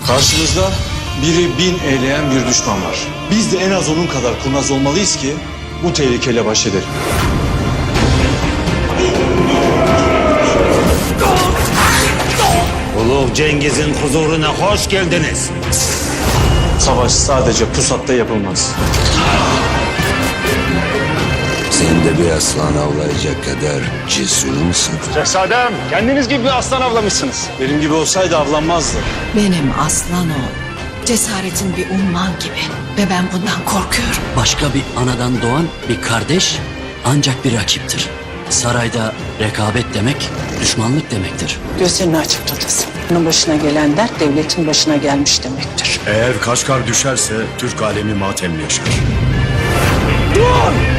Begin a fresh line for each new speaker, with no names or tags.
Karşımızda biri 1000 eyleyen bir düşman var. Biz de en az onun kadar kurnaz olmalıyız ki bu tehlikeyle baş edelim.
Ulu Cengiz'in huzuruna hoş geldiniz.
Savaş sadece pusatta yapılmaz.
Sen de bir aslan avlayacak kadar cesur musun?
Şehzadem, kendiniz gibi bir aslan avlamışsınız.
Benim gibi olsaydı avlanmazdı.
Benim aslan oğlum. Cesaretin bir umman gibi ve ben bundan korkuyorum.
Başka bir anadan doğan bir kardeş ancak bir rakiptir. Sarayda rekabet demek düşmanlık demektir.
Gözlerini açık tutasın. Bunun başına gelen dert devletin başına gelmiş demektir.
Eğer Kaşgar düşerse Türk alemi matem yaşar.